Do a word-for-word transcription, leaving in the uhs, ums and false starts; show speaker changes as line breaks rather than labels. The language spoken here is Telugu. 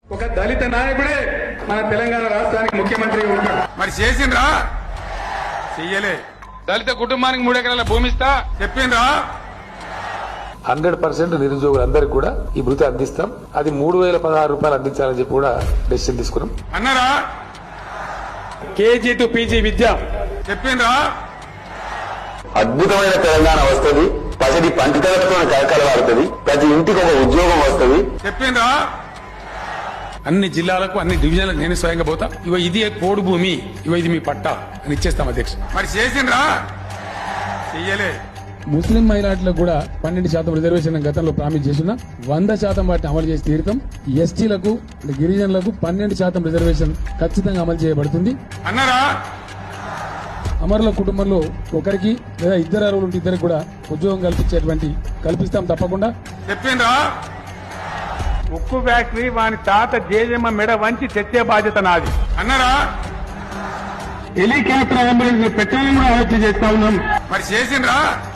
ఒక దళిత నాయకుడే మన తెలంగాణ రాష్ట్రానికి ముఖ్యమంత్రి ఉంటాడు. మరి చేసిండ్రా? చెయ్యలే. దళిత కుటుంబానికి మూడు ఎకరాల భూమి ఇస్తా చెప్పిండ్రా?
హండ్రెడ్ పర్సెంట్ నిరుద్యోగులందరికీ కూడా ఈ భృతి అందిస్తాం. అది మూడు వేల పదహారు రూపాయలు అందించాలని చెప్పి కూడా డెసిషన్ తీసుకున్నాం.
అన్నారా? కేజీ టు పీజీ విద్య చెప్పిండ్రా?
అద్భుతమైన తెలంగాణ వస్తుంది. పసిడి పంటితలతో కలకలవాడుతుంది. ప్రతి ఇంటికి ఒక ఉద్యోగం వస్తుంది.
చెప్పిండ్రా? అన్ని జిల్లాలకు అన్ని డివిజన్లకు నేను స్వయంగా పోతా. ఇవ ఇది పోడు భూమి, ఇవ ఇది మీ పట్టా అని ఇచ్చేస్తాం అధ్యక్ష. మరి చేసిండ్రా? చెయ్యలే.
ముస్లిం మైనార్టీలకు కూడా పన్నెండు శాతం రిజర్వేషన్ గతంలో ప్రామిస్ చేసిన వంద శాతం వాటిని అమలు చేసి తీరుతాం. ఎస్టీలకు గిరిజనులకు పన్నెండు శాతం రిజర్వేషన్ ఖచ్చితంగా అమలు చేయబడుతుంది.
అన్నారా?
అమరుల కుటుంబంలో ఒకరికి లేదా ఇద్దరు అరువులు ఉంటే ఇద్దరికి కూడా ఉద్యోగం కల్పించేటువంటి కల్పిస్తాం తప్పకుండా.
చెప్పిండ్రా? ఉక్కు ఫ్యాక్టరీ వాని తాత జేజమ్మ మెడ వంచి తెచ్చే బాధ్యత నాది. అన్నారా? హెలికాప్టర్ అంబులెన్స్ పెట్టాలని కూడా ఆలోచన చేస్తా ఉన్నాం. మరి చేసిండ్రా?